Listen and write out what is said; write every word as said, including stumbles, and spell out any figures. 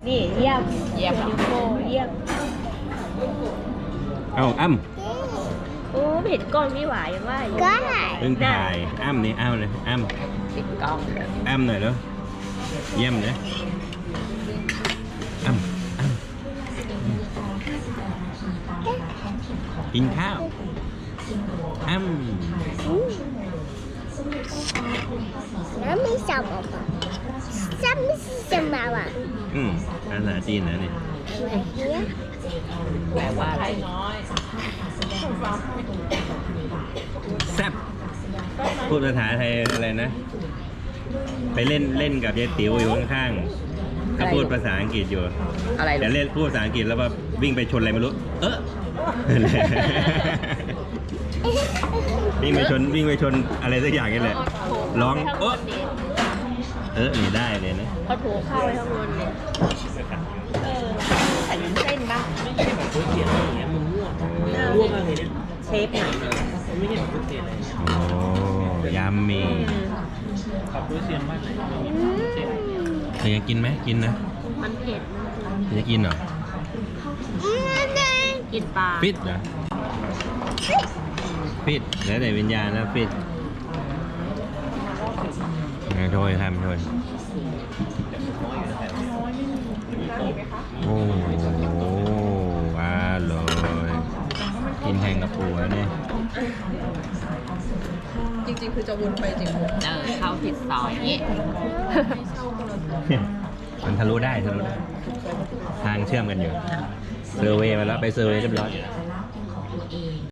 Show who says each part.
Speaker 1: นี่เยี่ยม
Speaker 2: เยี่ยม
Speaker 1: นิวโก้เยี่ยม
Speaker 3: เอาอ้ำ
Speaker 1: โอ้ไม่เห็นก้อนพี่หวายยังว่าอยู่
Speaker 4: ก็
Speaker 3: เพิ่งถ่ายอ้ำนี่อ้ำเลยอ้ำ
Speaker 2: ปิดกล้องเถอะ
Speaker 3: อ้ำหน่อยแล้วเยี่ยมเลยอ้ำอ้ำกินข้าวอ้ำ
Speaker 4: แล้วมีสมองซ้ำไม่สมองอ่ะ
Speaker 3: อืมภาษาจีนนะนี่
Speaker 4: อะไรเนี่ย
Speaker 2: แปลว่าอะไร
Speaker 3: แซ่บพูดภาษาไทยอะไรนะ ไปเล่นเล่นกับยายติ๋วอยู่ข้างๆก็พูดภาษาอังกฤษอยู่
Speaker 2: อะไร
Speaker 3: แต่เล่นพูดภาษาอังกฤษแล้วว่าวิ่งไปชนอะไรไม่รู้ เออ วิ่งไปชนวิ่งไปชนอะไรสักอย่างนี่แหละร้องเออเออนี่ได้เลยนะ
Speaker 1: เขาถูเข้าไปข้างบนเลยเออใส่วุ้นเส้นบ้าง
Speaker 5: ไม่ใช่แบบก๋วยเตี๋ยวอะไรอย่างเงี้ยมันม่วงม่วงอะไรเนี่ย
Speaker 1: เชฟหน่อย
Speaker 5: มันไม่ใช่แบบก๋วยเตี๋ยวอะไรเนี่ย
Speaker 3: โอ้ยำมี
Speaker 5: ขับก๋วยเตี๋ยวมากเลยก๋วยเตี๋ยว
Speaker 3: เธออยากกินไหมกินนะ
Speaker 1: มันเผ็ด
Speaker 3: เธอจะกินเหรอ
Speaker 1: กินปลา
Speaker 3: ฟิตเหรอฟิตแล้วแต่วิญญาณนะฟิตไงโทยทำโทยโอ้โหอร่อยกินแข่งกับปูแล้วเนี่ย
Speaker 2: จริงๆคือจะวนไปจริงเออเข้าผิดซอยอย่างงี้
Speaker 3: มันทะลุได้ทะลุได้ ทางเชื่อมกันอยู่ เซอร์เวย์มาแล้วไปเซอร์เวย์เรียบร้อย